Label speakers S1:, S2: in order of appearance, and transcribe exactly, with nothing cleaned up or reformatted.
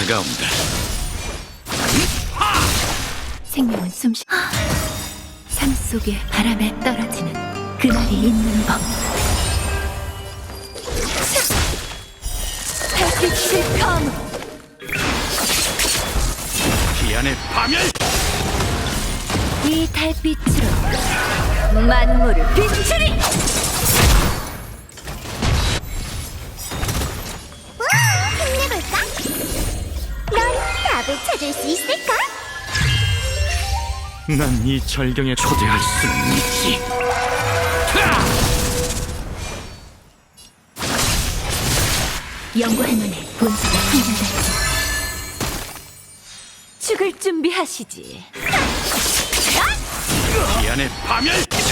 S1: 다가온다.
S2: 생명은 숨쉬. 삶 속에 바람에 떨어지는 그날이 있는 법. 달빛을 검으로
S1: 기안의 파멸!
S2: 이 달빛으로 만물을 비추리.
S3: 힘내볼까? 넌 답을 찾을 수 있을까?
S1: 난 이 절경에 초대할 수는 있지.
S2: 연구할 만해. 본사가 흥분됐지. 죽을 준비하시지.
S1: 기안의 파멸!